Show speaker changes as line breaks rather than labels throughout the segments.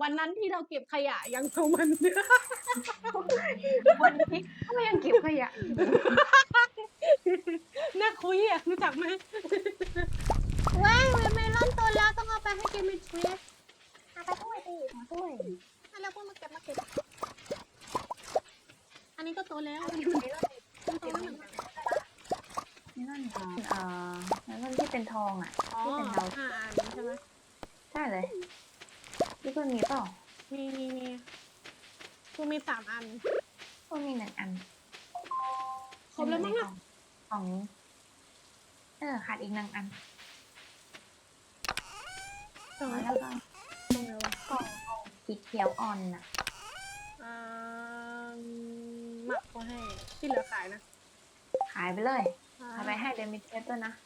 วันนั้นที่เราเก็บขยะยังเอามัน
วันนี้ก็ยังเก็บขยะอยู่
น่าคุยอ่ะรู้จักไหมว้ายเมลอนโตแล้วต้องเอาไปให้เกมิทรี
เอาไปด้วยดิมาด้วย
แล้วพวกมาเก็บอันนี้ก็โตแล้ว
เอาไปด้วยดิ
มันโตแล้วเหมือนกัน
นั่นนั่นที่เป็นทองอ่ะ
อ๋อ
ที่เป็นดาว
5 อันใช่ไหม
ใช่เลยพี่เพื่อนมีเปล่า
มีกูมี3 อัน
ก็มี1 อัน
ครบแล้วมั้งอ่ะ
ของขาดอีก1 อัน
ตรง
แล้วก็
ไหนวะ
กล่องสีเขียวอ่อนน่ะ
หมักก็ให้ที่เหลือขายนะ
ขายไปเลยเอาไปให้เดมิเทสด้วยนะ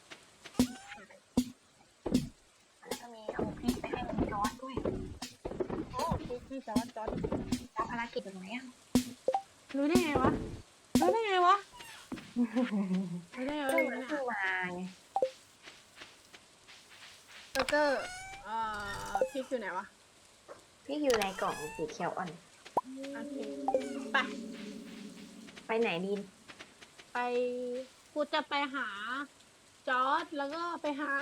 แล้วก็มีเอาพริกไปให้จอร์ดด้วย
โอ้พี่จอร์ด
รับภารกิจแบบไหนอ่ะ
รู้ได้ไงวะรู้ได้ไงวะ
เพิ่งมาไง
เบอร์เกอร์พริกอยู่ไหนวะ
พี่อยู่ในกล่องสีเขียวอ่อน
โอเคไป
ไปไหนดีน
ไปกูจะไปหาจอร์ดแล้วก็ไปหา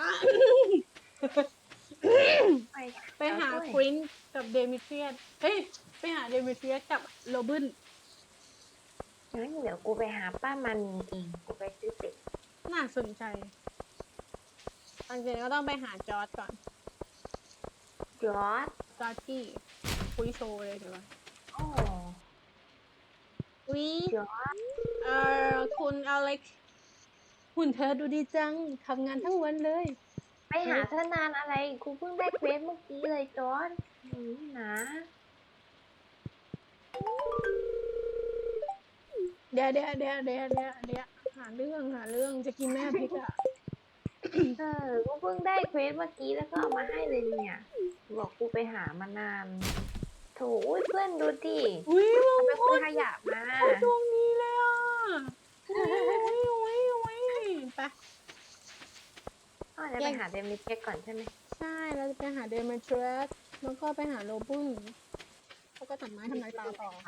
ไปหาครินกับเดมิเทรียสไปหาเดมิเทรียสกับโรบิน
งั้นเดี๋ยวกูไปหาป้ามันเองกูไปซื้อเป็ด
น่าสนใจตอนเย็นก็ต้องไปหาจอร์ดก่อน
จอร์ด
จอร์ดที่คุยโชว์เลยเดี๋ยวก่อน
โอ้
วิ
จอร์ด
คุณอเล็กซ์หุ่นเธอดูดีจังทำงานทั้งวันเลย
ไปหาเธอนานอะไรกูเพิ่งได้เควสเมื่อกี้เลยจอร์ดนะ
เดี๋ยวหาเรื่องจะกินแม่พริกอ่ะ
กูเพิ่งได้เควสเมื่อกี้แล้วก็เอามาให้เลยเนี่ยบอกกูไปหามานานโถอุ้ยเพื่อนดูดิ
อุ้ย
เอาไปคุยขยะมา
ดวงนี้เลยอ่ะอุ้ยไป
ก็จะไปหาเดมิเทสก่อนใช่ไหม
ใช่เราจะไปหาเดเมทรสแล้วก็ไปหาโรบุนแล้วก็ตัดไม้ทำลายตาต่อ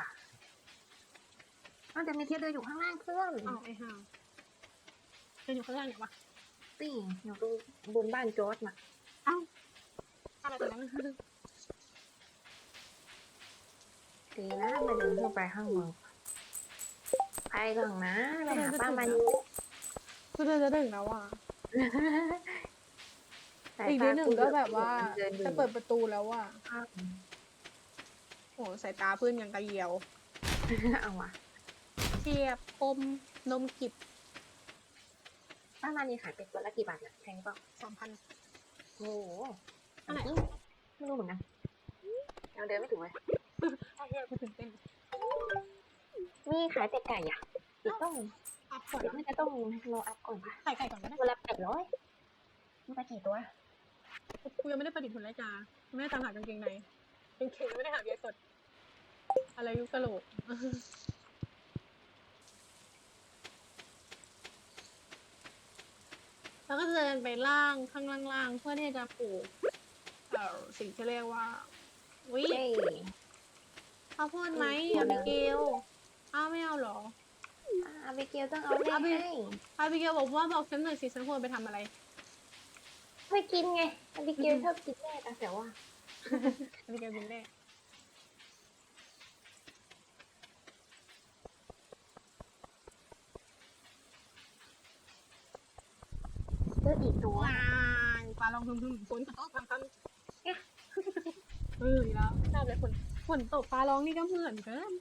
เดมิเทสเดินอยู่ข้างล่างเพื่อน
อ้าวไอ้ห่าเป็นอยู่ข้างล่างไหนวะ
สี่อยู่ตรงบนบ้านจอร์ดน่ะ
อ้าวอะไรตรงนั้น
ดีนะไม่เดินขึ้นไปข้างบนไปก่อนนะไปหาป้ามัน
ก็จะถึงแล้วอ่ะอีกนิดหนึ่งก็แบบว่าจะเปิดประตูแล้วอ่ะโหสายตาเพื่อนยังกระเยียว
เอาว่ะ
เทียบคมนมกิบ
ป้ามันนี่ขายเป็ดตัวละกี่บาทเนี่ยแพงเปล่า
2,000
โอ้โห
อะไร
ไม่รู้เหมือนกันยังเดินไม่ถึงเลย
กูตื่นเต้น
มีขายเป็ดไก่อ่ะเดี๋ยวต้อง
อัพก่อน
เดี๋ยวน่าจะต้องรออัพก่อนค่ะ
ไข่ก่อนก็ได้
ตัวละ800มันไปกี่ตัว
กูยังไม่ได้ประดิษฐ์ผลไม้จาไม่ได้ตามหากางเกงในกางเกงไม่ได้หาเบียร์สดอะไรยุคกะโหลก แล้วก็จะเดินไปข้างล่างเพื่อที่จะปลูกสิ่งที่เรียกว่าวิ
เฮ้ย
ข้าวโพดไหมอาบิเกลอ้าวไม่เอาเหรอ
อาบิเกลต้องเอาเลขให้
อาบิเกลบอกฉันหน่อยสิฉันควรไปทำอะไร
ไม่กินไงอาบิเกลชอบกินแม่แต่ว่า
อาบิเกลกินได้
เจออีกตัว
ว้ายปลาลองพึ่มฝนตกทำแล้วชอบเลยฝนตกปลาร้องนี่ก็เหมือนกัน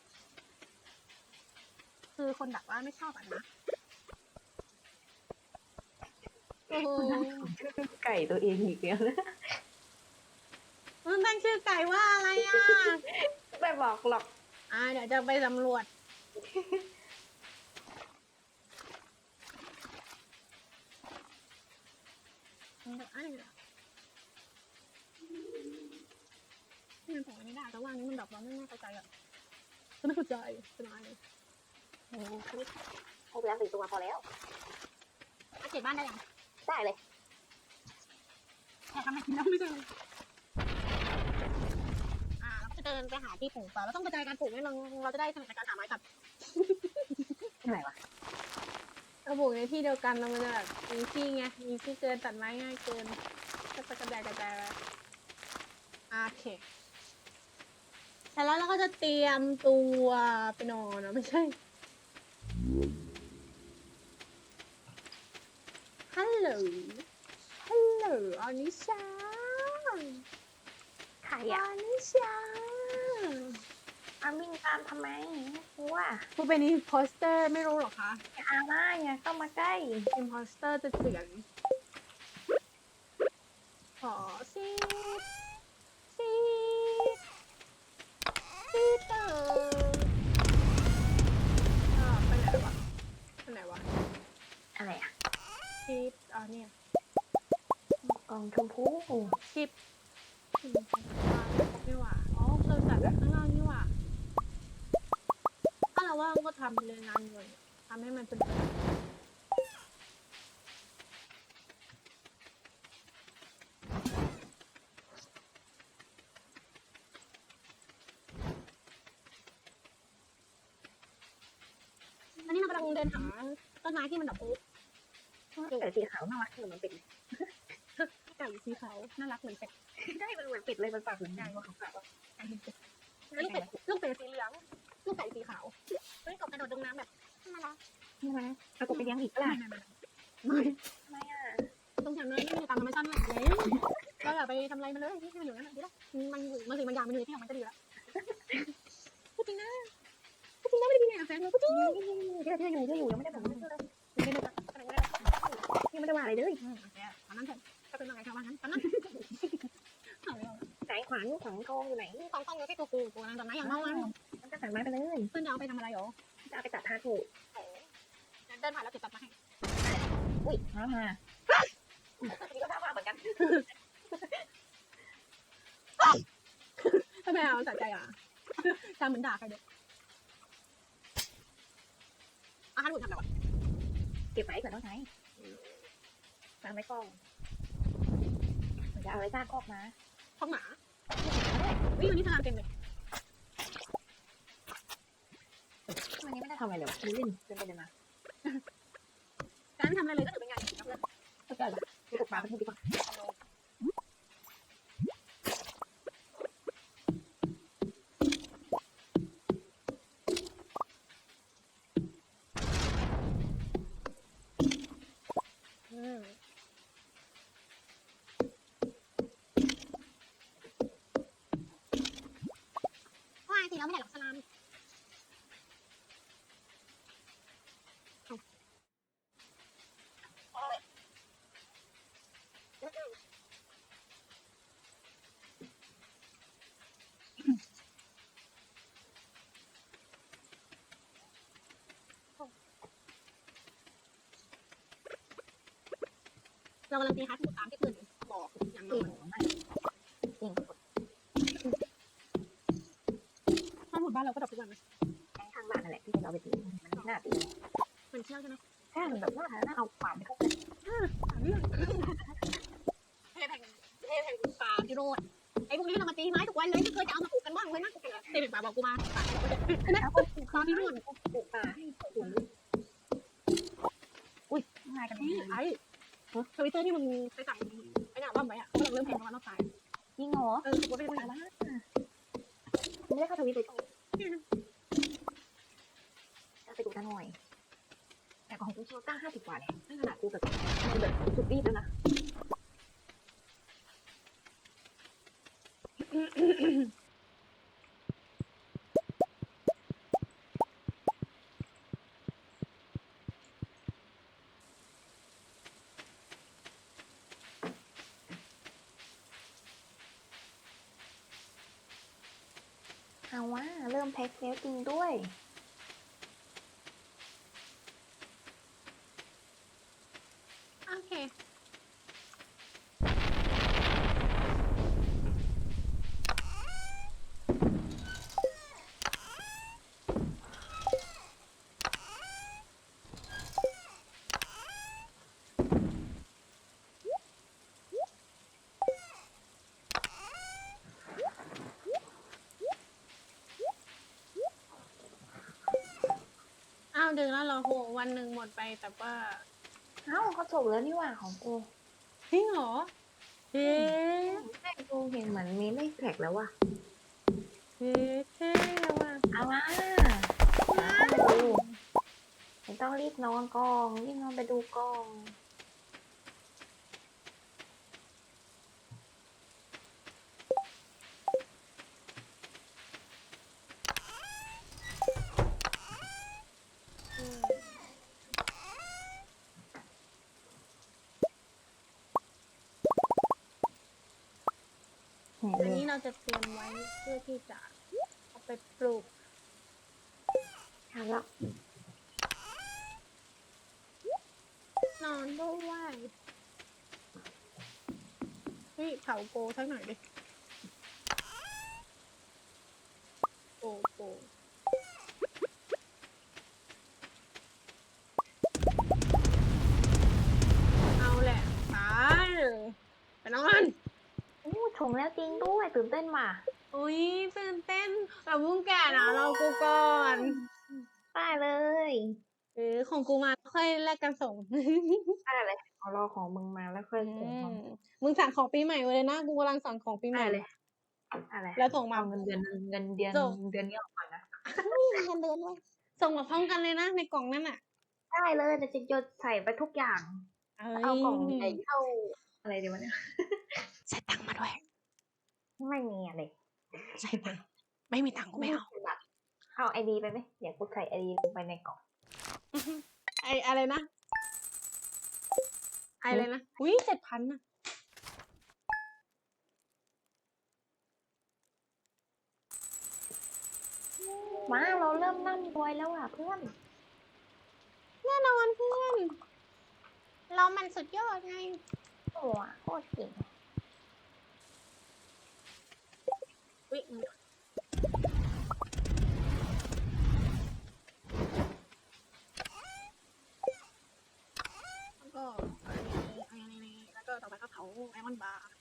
คือคนดักว่าไม่ชอบอ่ะนะโอ้โห
ไก่ตัวเองอีกแล้วนะ
มันตั้งชื่อไก่ว่าอะไรอ่ะ
ไม่บอกหรอก
เดี๋ยวจะไปสำรวจนี่มันของอันนี้ได้แต่ว่าอันนี้มันดับแล้วไม่เข้าใจอ่ะฉันไม่เข้าใจสบายเลย
โอ้ให้ไปแล้ว4 ตัวพอแล้ว
เก็บบ้านได้ยัง
ได้เลย
แต่ทำไมกินแล้วไม่ใช่จะเดินไปหาที่ปลูกป่าเราต้องกระจายการปลูกให้เราจะได้ถนัดในการหาไม้ตัด
อะไรวะ
เราปลูกในที่เดียวกันแล้วมันจะแบบมีที่ไงมีที่เกินตัดไม้ง่ายเกินก็จะกระจายไปโอเคแล้วเราก็จะเตรียมตัวไปนอนไม่ใช่ฮัลโหลอนิชา
ใครอ่ะ
อนิชา
อาวิ่งตามทำไมไม่กลัว
ผู้เป็นอิมโพสเตอร์ไม่รู้หรอคะ
อย่าอาม่าอย่าเข้ามาใกล้
อิมโพสเตอร์จะเตือนขอซีดเตอร์ไปไหนวะ
อะไรอ่ะ
ซีดเนี่ย
กล่องชมพู
ชิปนี่หว่าอ๋อเราจัดข้างล่างนี่หว่าถ้าเราว่างก็ทำเลยงานเงินทำให้มันเป็นอันนี้เรากำลังเดินหาต้นไม้ที่มันดอกปุ๊บ
แต่สีขาวน่ารักเหมือนเป็ด
ไก่สีขาวน่ารักเหมือนเป็ด
ได้มันเหมือนเป็ดเลยมันปากเหมือนไก่ว่าขาว
ไก่เป็นเป็ดลูกเป็ดสีเหลืองลูกไก่สีขาวเฮ้ยกบกระโดดลงน้ำแบบน่ารัก
ๆนี่ไหมเอากบไปเลี้ยงอีกเปล่า
ไม่
ทำไมอ่ะ
ต้องทำเลยไม่มีตามธรรมชาติเลยเราอย่าไปทำอะไรมันเลยที่มันอยู่นั่นดีละมันสิ่งมันอย่างมันอยู่ที่ของมันก็ดีละพูดจริงนะไม่ได้ดีเลยแฟนเราพูดจริง
เชื่ออยู่ยังไม่ได้แบบนั้นเลยยังไม่ได้ว่าอะไรเลย
โอเคตอนนั้นเถอะก็เป็นอะไรชาวบ้านนั้นตอนนั้น
สายขวานของทองอยู่ไหน
ต้องอยู่ที่ตัวกูนะตอนนั้นอย่างเมามัน
มันก็สั่งไม้ไปเลย
เพื่อนจะเอาไปทำอะไรหรอ
จะเอาไปตัดทาถูก
เดินผ่านแล้วติดตัดมาให้
อุ้ยมานี่ก็ท่ามาเหมือนกัน
ทำไมเอาสะใจอ่ะจำเหมือนด่าใครเด็กอาหารหมุนทำอะไรวะ
เก็บไว้เผื่อต้องใช้สั่งไว้กล้องจะเอาอะไรจ้าคอกมา
ท้องหมาวิ่งวันนี้ทำงานเต็มเลย
วันนี้ไม่ได้ทำอะไรเลยวะเล่นเดินมา
การไม่ทำอะไรเลยก็ถือเป็นงานนะเพื่อน
เข้าใจละไปตกปลาไปดีกว่า
ว่าทีเราไม่ได้หรอกสลามเรากำลังตีฮาร์ดตามที่เพื่อนบอกอย่าง
เก่
นั้
ง
น
มากเก่ง
ถ้าหมดบ้านเราก็ดอกทุกวันนะ
ข้างบ้านนั่นแหละที่เราไปตีมันน่าตี
มันเชี่ยวใช่ไหม
ถ้ามันแบบน่าเอาขวานไปเข้าไป
เรื่องเทแผ่นป่าที่โรดไอ้พวกนี้เรามาตีไม้ทุกวันเลยไม่เคยจะเอามาปลูกกันบ้างเลยนะเทแผ่นป่าบอกกูมาป่าใช่ไหม
แล้วก็
ตอนที่โรด
ปลูกป่าให้สวนอุ้ยง่ายกัน
นี่ไอ้ทวิตเตอร์ที่มึงไปสั่งไอ้หน้าบ้าไว้อะเขาเริ่มแพงประมาณรอบตาย
จริงเหรอ
กูไม่ได้
แต่ว่าไม่ได้เข้าทวิตเลยไปดูกันหน่อยแต่ของกูโชต้า50 กว่าเนี่ยไม่ขนาดกูแบบสุดรีบแล้วนะ เอาว่าเริ่มแพ็คแล้วจริงด้วย
โอเคดึงแล้วเหรอโหวันหนึ่งหมดไปแต่ว่า
เอ้าเขาส่งแล้วนี่หว่าของกู
จริงเหรอเฮ้
แม่กูเห็นเหมือนมีไม่แท็กแล้วว่ะ
เฮ้เท่ว่ะ
เอามาเข้ามาดูไม่ต้องรีบนอนกองรีบนอนไปดูกอง
อืม
เห็น
อัน
เล
นี้
ย
เราจะเตรียมไว้เพื่อที่จะเอาไปปลูก
ทำแล้ว
นอนด้วยเฮ้ยเผาโกสักหน่อยดิโกเอาแหละไปไปนอน
อู้ชงแล้วจริงด้วยตื่นเต้นว่ะ
อุ้ยตื่นเต้นแต่พุ่งแก่นะเรากูก่อน
ได้เลย
ของกูมาค่อยแลกกันส่ง
ได้เลยเอารอของมึงมาแล้วค่อยส่ง
อื
มาม
มึงสั่งของปีใหม่ไว้เลยนะกูกำลังสั่งของปีให
ได้
ม่
เลยอะไร
แล้วส่งมา
เอาเงินเดือนเงินเดือน
ส่ง
เดือนนี้ออกก่อนนะ
เงินเดือนด้วยส่งมาพร้อมกันเลยนะในกล่องนั่นอ่ะ
ได้เลยแต่จะจดใส่ไปทุกอย่าง เอากล่องใหญ่เท่าอะไรดีวะเนี่ย
ใส่ตังค์มาด้วย
ไม่มีอะไร
ใส่ตังค์ไม่มีตังค์กูไม่เอา
บัตรเอาไอดีไปไหมเดี๋ยวกูใส่ไอดีลงไปในกล่อง
อะไรนะอะไรนะอุ้ย7,000นะ
มาเราเริ่มร่ำรวยแล้วอ่ะเพื่อน
แน่นอนเพื่อนเรามันสุดยอดไง
โอ้อะโคตรเก่ง
อุ้ยแล้วก็อันนี้แล้วก็ต่อไปก็เผาไอมอนบาร์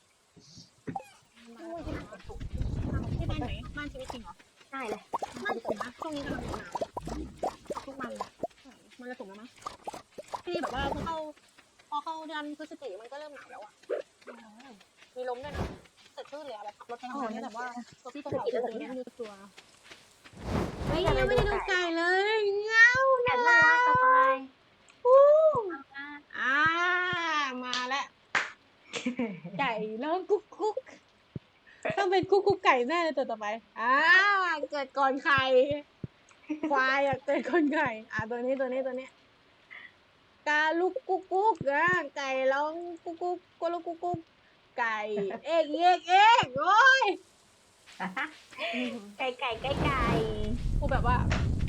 ที่บ้านไหนบ้านชีวิตจริงเหรอ
ได้เลย
บ้านผมนะช่วงนี้กำลังหนาวทุกวันเลยมันจะสูงแล้วมั้งที่แบบว่าพอเข้าเดือนพฤศจิกายนมันก็เริ่มหนาวแล้วอ่ะมีลมด้วยนะเสร็จชื่อเลยอะแบบขับรถไปทำงานเนี่ยแบบว่าตัวพี่ตัวเขาตัวนี้ไม่รู้ตัวเฮ้ยยังไม่ได้ดูไก่เลยเงา
แต่น่ารักสบาย
อู้
มาก
มาแล้วไก่ร้องกุ๊กกุ๊กต้องเป็นกุ๊กกุ๊กไก่แน่เลยตัวต่อไปเกิดก่อนไข่ควายอะเกิดก่อนไข่ตัวนี้กาลูกกุ๊กกุ๊กไก่ร้องกุ๊กกุ๊กกลูกกุ๊กกุ๊กไก่เอกโอ้ย
ไก่ไก่ไก่ไก่
กูแบบว่า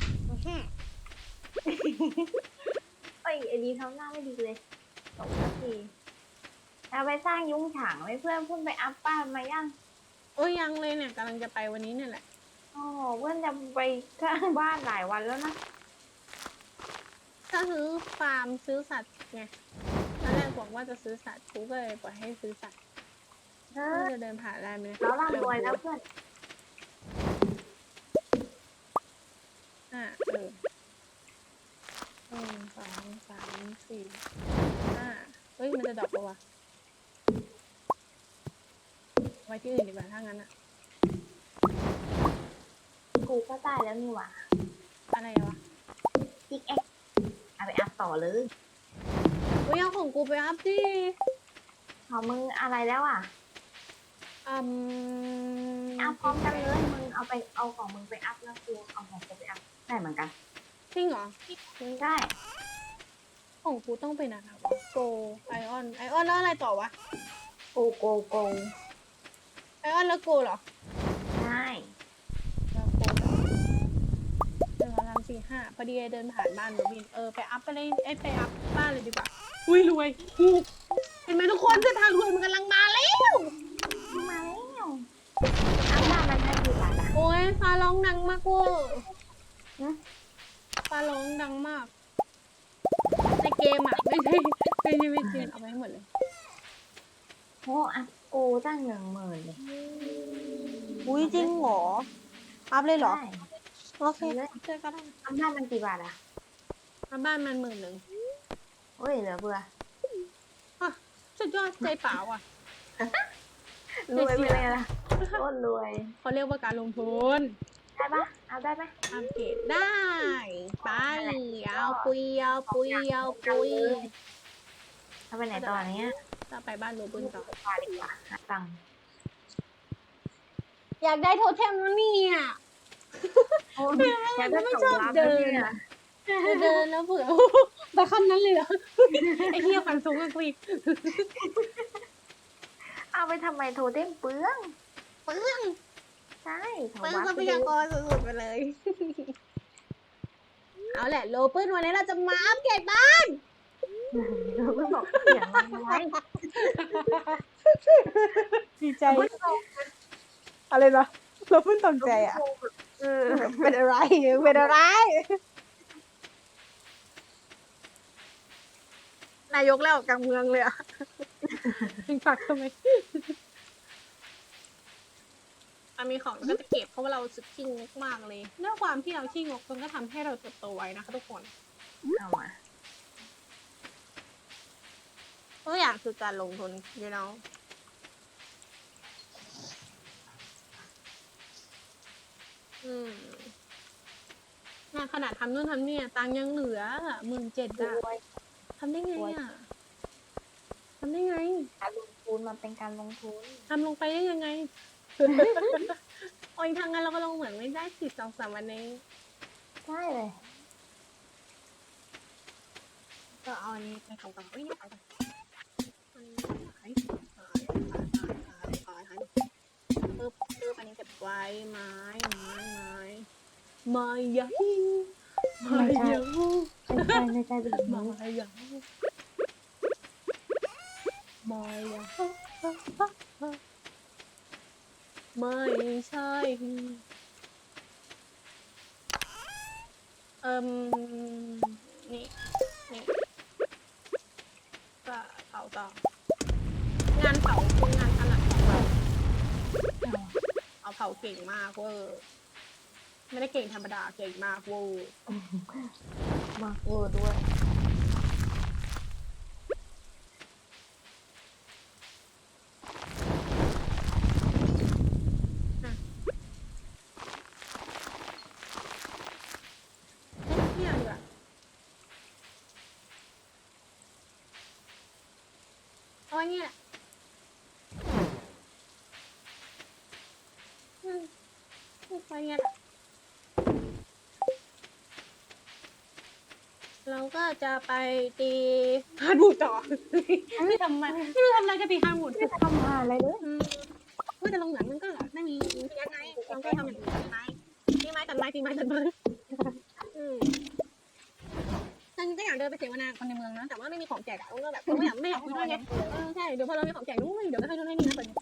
เอ้ยไอดีทำหน้าไม่ดีเลยตกสักทีเราไปสร้างยุ้งฉางไว้เพื่อนเพิ่งไปอัพบ้านมายัง
โอ้ยยังเลยเนี่ยกำลังจะไปวันนี้เนี่ยแหละ
โอ้เพื่อนจะไปสร้างบ้านหลายวันแล้วนะ
ถ้าซื้อฟาร์มซื้อสัตว์ไงตอนแรกบอกว่าจะซื้อสัตว์กูก็เลยปล่อยให้ซื้อสัตว์กูจะเดินผ่านได้ไหม
เราร่ำรวยแล้วเพื่อน
1 2 3 4 5เฮ้ยมันจะดรอปปะวะไว้ที่อื่นดีกว่าถ้างั้นอะ
กูก็ได้แล้วนี่หว่า
อะไรวะ
พิกแอคเอาไปอัพต่อเลย
เฮ้ยเอาของกูไปอัพดิ
ของมึงอะไรแล้วอ่ะ
อืม
อัพพร้อมกันเลยมึงเอาไปเอาของมึงไปอัพแล้วกูเอาของกูไปอัพได้เหมือนกัน
จริงเหรอ
ได้
ของกูต้องเป็นอะไรวะโกไอออนแล้วอะไรต่อวะ
โกโกโก
ไอออนแล้วโกเหรอ
ได้
แล้วโกเหรอ1 2 3 4 5พอดีเดินผ่านบ้านโรบินไปอัพไปเลยไปอัพบ้านเลยดีกว่าอุ้ยรวยถูกเห็นไหมทุกคนเส้นทางรวยมันกำลังมาแล้ว
มาแล้วอัพบ้านมันได้กี่บาทอ่ะ
โอ้ยฟ้าร้องดังมากเว้ย
ฮะ
ฟ้าร้องดังมากในเกมอ่ะไม่ใช่ชีวิตจริงเอาไปให้หมดเลย
โอ้อัพกูตั้ง10,000เลย
อุ้ยจริงเหรออัพเลยเหรอ
ได้
โอเค
เลย
เจอกันได้
อัพบ้านมันกี่บาทอ่ะ
มาบ้านมัน10,000
โอ้ยเหลือเบื่อ
อ่ะสุดยอดใจเปล่าอ่ะ
รวยไปเลยล่ะโคตรรวย
เขาเรียกว่าการลงทุน
ได้ปะเอาได้ไหม
อัปเกรดได้ไป
นั่นแหละ
เอาปุยเอาปุยเอาปุย
ถ้าไปไหนต่อเนี้ย
จะไปบ้านโรเบิร์ตต่อ
พาดีกว่าหาตังค์
อยากได้โทเทมแล้วเนี่ย
โอ้ยอยากได้
ไม่
ของ
ชอบ
ลับ
เดิน
เนี่ย
จะเดินแล้วเผื่อ ไปคำนั้นเลยเหรอ ไอ้เหี้ยฟันสูงกันกูอีก
เอาไปทำไมโทเทมเปลือง
เปลือง
ใช่ของ
เปลือง
วัด
ทรัพยากรสุดๆไปเลย เอาแหละโรเบิร์ตวันนี้เราจะมาอัปเกรดบ้าน
เราเพิ่งบอกเสียงมันไว้
ดีใจ อะไรนะเราเพิ่งตกใจอ่ะ
เออ
เป็นอะไร เป็นอะไร นายกแล้วกลางเมืองเลยอ่ะยิงฝักทำไมมีของก็จะเก็บเพราะว่าเราสุดขี้งกมากเลยด้วยความที่เราขี้งกมันก็ทำให้เราเติบโตไวนะคะทุกคน
เอามา
ตัวอย่างคือการลงทุน you know เนี่ยขนาดทำนู่นทำนี่ตังค์ยังเหลือ17,000อะ
รวย
ทำได้ไงอ่ะทำได้ไง
การลงทุนมันเป็นการลงทุน
ทำลงไปได้ยังไง โอ้ยทางนั้นเราก็ลงเหมือนไม่ได้2-3 วันเอง
ใช่เลย
ก็เอาอันนี้ไปทำต่อไม่ขายกันอันนี้ขายปึ๊บอันนี้เก็บไว้ไม้ยาฮีไม้ยาฮู
ไม่ใช่แบบ
ไม้
นี้
ยาฮูไม้ยาฮูไม่ใช่นี่ก็เผาต่องานเผาคืองานถนัดของเราเอาเผาเก่งมากเวอร์ไม่ได้เก่งธรรมดาเก่งมากเวอร์
มากเวอร์ด้วย
นี่ดีกว่าเอาไว้เนี่ยไปเนี่ยเราก็จะไปตีฮาร์ดวูดต่อไม่ทำไมไม่รู้ทำอะไรก็ตีฮาร์ดวูด
ไม่ทำอะไรเลย
เมื่อจะลงหนังมันก็ไม่มีพยักไงเราก็ทำอย่างอื่นตีไม้ตัดไม้ฉันก็อยากเดินไปเสวนาคนในเมืองนะแต่ว่าไม่มีของแจกก็แบบไม่อยากคุยด้วยไงใช่เดี๋ยวพอเรามีของแจกนู้นเดี๋ยวก็ให้นู่นให้นี่นะเปิด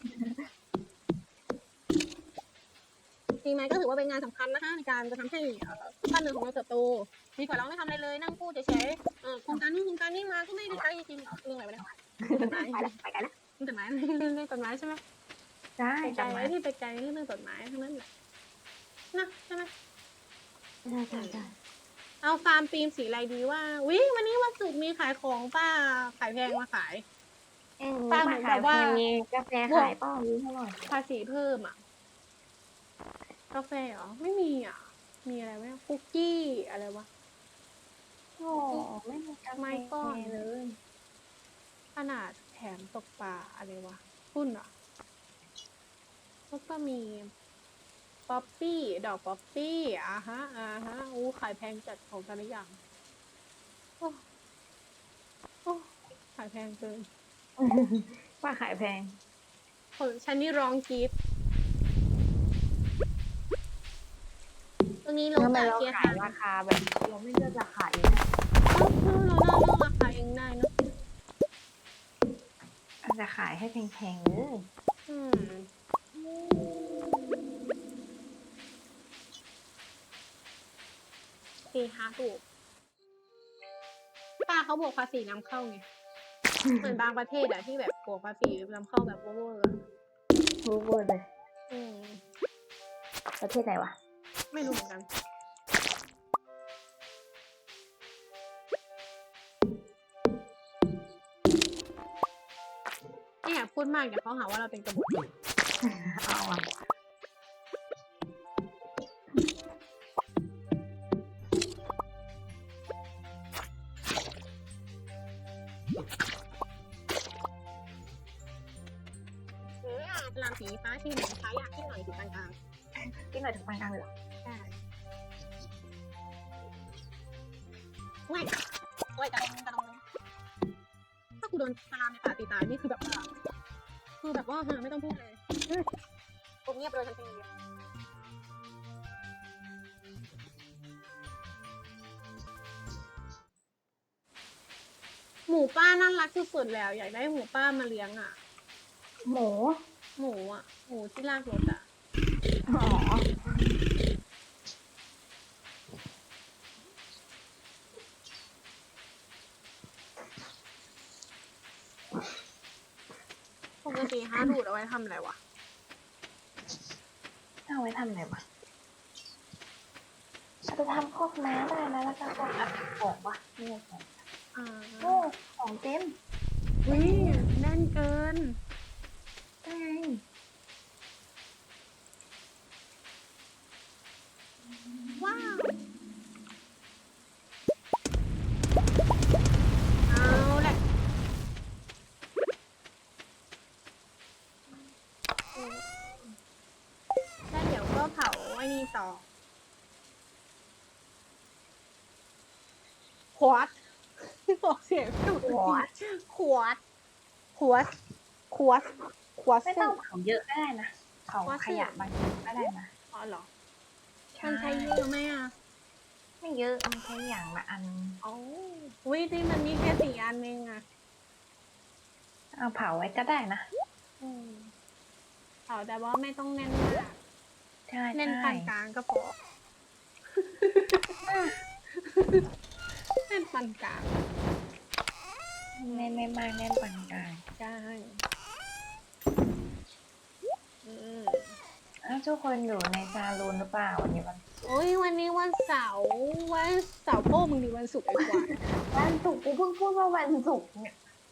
ตีไม้ก็ถือว่าเป็นงานสำคัญนะคะในการจะทำให้บ้านเมืองของเราเติบโตดีกว่าเราไม่ทำอะไรเลยนั่งพูดเฉยๆโครงการนี้มาก็ไม่ได้ใช้จริงๆเรื่องอะไรวะเนี่ยต้นไม้
ไปกันแล้ว
ต้นไม้เรื่องต้นไม้ใช่ไหม
ใช่
ไปไกล
จำไว้
ที่ไปไกลเรื่องต้นไม้ทั้งนั้นแหละนะใช่ไหม
ใช่
เอาฟาร์มฟิล์มสีอะไรดีว่าวิวันนี้วันศุกร์มีขายของป้าขายแพงมาขาย ป้าเหมือนแบบว่า
มีกาแฟขายเปล่ารู้เท่าไหร่
ภาษีเพิ่มอ่ะกาแฟเหรอไม่มีอ่ะมีอะไรไหมคุกกี้อะไรวะ
โอ้ไม่มีกาแฟ
ไม้ก้อนเลยขนาดแถมตกปลาอะไรวะหุ้นอ่ะแล้วก็มีป๊อปปี้ดอกป๊อปปี้อู้ขายแพงจัดของแต่ละอย่างโอ้ขายแพงเกิน
ป้าขายแพง
ฉันนี่ร้องกรี๊ดตรงนี้ลง
ทำไม
จาก
เรา
เกียร์
ขา
ทาย ง
ราคาแบบเราไม่เลือกราคาเองนะ
เราเลือกราคาเองได้เนอะ
อาจจะขายให้แพงๆเลย
ตีฮาถูกป้าเขาบวกภาษีนำเข้าไง เหมือนบางประเทศอะที่แบบบวกภาษีนำเข้าแบบเวอร์ๆอะ
รู้เวอร์เลย
อืม
ประเทศไหนวะ
ไม่รู้เหมือนกันเนี่ยพูดมากเดี๋ยวเขาหาว่าเราเป็นกบฏ
เอาอ่ะ
ลามสีฟ้าที่หนึ่งฟ้าอยากที่หน่อยถึงกลาง
กินหน่อยถึงปานกลางเลยเหรอ
ๆใช่ไม่โอ้ยกระดงถ้ากูโดนตามในป่าตีตายนี่คือแบบว่าไม่ต้องพูดเลยผมเงียบเลยทันทีหมูป้าน่ารักสุดๆแล้วอยากได้หมูป้ามาเลี้ยงอ่ะ
หมู
หมูอ่ะหมูที่ลากรถอ่ะ
อ๋อ
ปกติฮาดูดเอาไว้ทำอะไรวะ
เอาไว้ทำอะไรวะเอาไปทำพวกม้าได้นะแล้วก็พวกของวะนี่ของ
อ่า
โอ้ของเต็ม
อุ้ยแน่นเกิน
ได้ไง
ว้าวเอาแหละแล้วเดี๋ยวก็เผาไอ้นี่ต่อขวดบอกเสียงถูก
ขวด
ขวดขวดขวดขวด
ไม่ต้องเผาเยอะก็ได้นะเผา
ว่า
ขยะบางทีก็ได้นะ
อ๋อเหรอมันใช้เยอะไหมอ่ะ
ไม่เยอะมันใช้อย่างละอัน
อ๋อวิที่มันมีแค่4 อันเองอ่ะ
เอาเผาไว้ก็ได้นะ
เผาแต่ว่าไม่ต้องแน่นมาก
ใช่
แน่น
ใช่
ปานกลางก็พอ แน่นปานกลาง
ไม่มากแน่นปานกลาง
ใช่อืม
อ้าวทุกคนอยู่ในซาลูนหรือเปล่าวันนี้วัน
โอ้ยวันนี้วันเสาร์โป้มึงดีวันศุกร์ไอ้กว่า
วันศุกร์กูเพิ่งพูดว่าวันศุกร์เนี่ย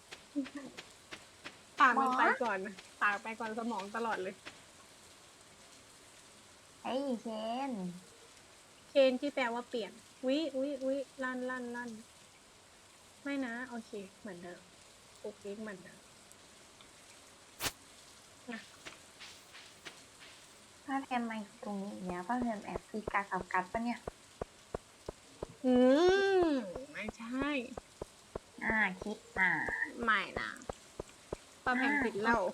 ปากมันไปก่อนปากไปก่อนสมองตลอดเลย
ไอ้เคน
เคนที่แปลว่าเปลี่ยนวิลั่นไม่นะ โอเค เหมือนเดิมปุ๊กปิ๊กเหมือนเดิม
ป้าแพมมาอยู่ตรงนี้อีกเนี่ยป้าแพมแอบตีกากับกัดปะเนี่ย
อืมไม่ใช่
คิดอ่ะ
ไม่นะป้าเพมติดเหล้า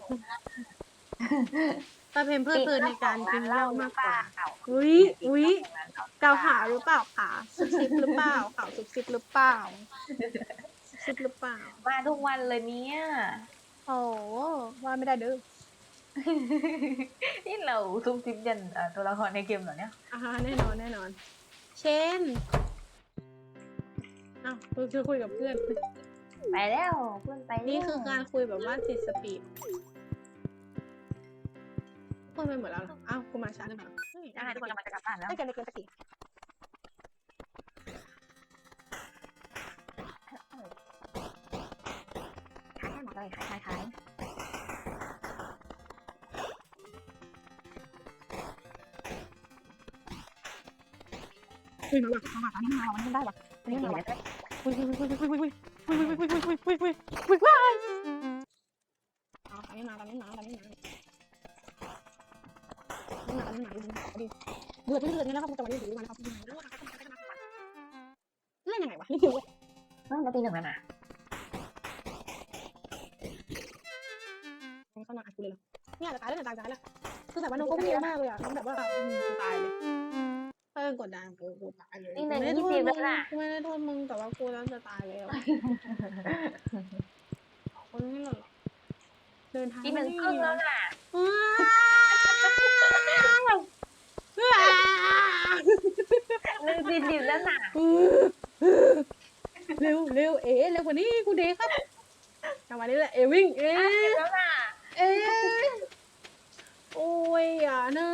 ป้าเพมเพลิดเพลินในการกินเหล้ามากกว่าอุ๊ยเกาขาวหรือเปล่าขาซุบซิบหรือเปล่าขาวซุบซิบหรือเปล่าซุบซิบหรือเปล่า
มาทุกวันเลยเนี่ย
โอ้ว่าไม่ได้เด้อ
นี่เราซุ่มซิบยันตัวละครในเกมเหรอเนี่ย
แน่นอน เชนอ้าวคือคุยกับเพื่อน
ไปแล้วเพื่อนไปแล้ว
นี่คือการคุยแบบว่าติดสปีดเพื่อนไปหมดแล้วเหรออ้าวกูมาช้าหรือเปล่า
ทุกคนกำลังจะกลับบ้านแล้ว
ไม่เกินสักที
ขายให้หมดเลยขาย
มาว่ะอันนี้มาวันนี้ได้ว่ะอันนี้มาว่ะอุ้ยว้ายอันนี้มาดิเดือดนี่แล้วครับจะมาดูมันครับเล่นยังไงวะนี่คือ
มาตีหนึ่งแล้วนะ
เขามาอัดกูเลยเหรอเนี่ยจะตายแล้วแล้วคือแบบว่าน้องก็ไม่เยอะมากเลยอ่ะน้องแบบว่าตายเลยถ้ากดดันกูตายเลยไม่ได้โทษมึงแต่ว่ากูแล้วจะตายแล้วคนนี้เหรอเดินทาง
ตีหนึ่งครึ่งแล้วน่ะ ตีแล้วน่ะ
เร็วเร็วกว่านี้กูเดครับจังหวะนี้แหละวิ่ง
แล้วน่ะ
โอ้ยอย่านะ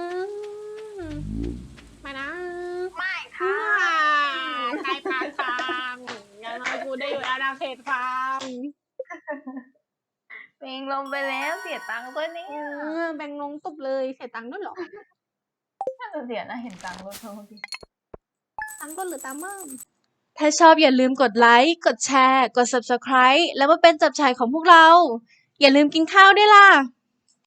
มานะ
ไม่ค่ะ
ใครพาทางอย่างน้อยกูได้อยู่อาณาเขตฟาร์ม
ไปเองลงไปแล้วเสียตังค์ด้วยเนี่
เอย อแบ่งลงตบเลยเสียตังค์ด้วยเหรอ
น่าจะเสียนะเห็นตังค์รถเธอเมื่อกี้
ตังค์ก็หรือตังค์เบิ่ม
ถ้าชอบอย่าลืมกดไลค์ กดแชร์ กด Subscribe แล้วมาเป็นจับฉ่ายของพวกเรา อย่าลืมกินข้าวด้วยล่ะ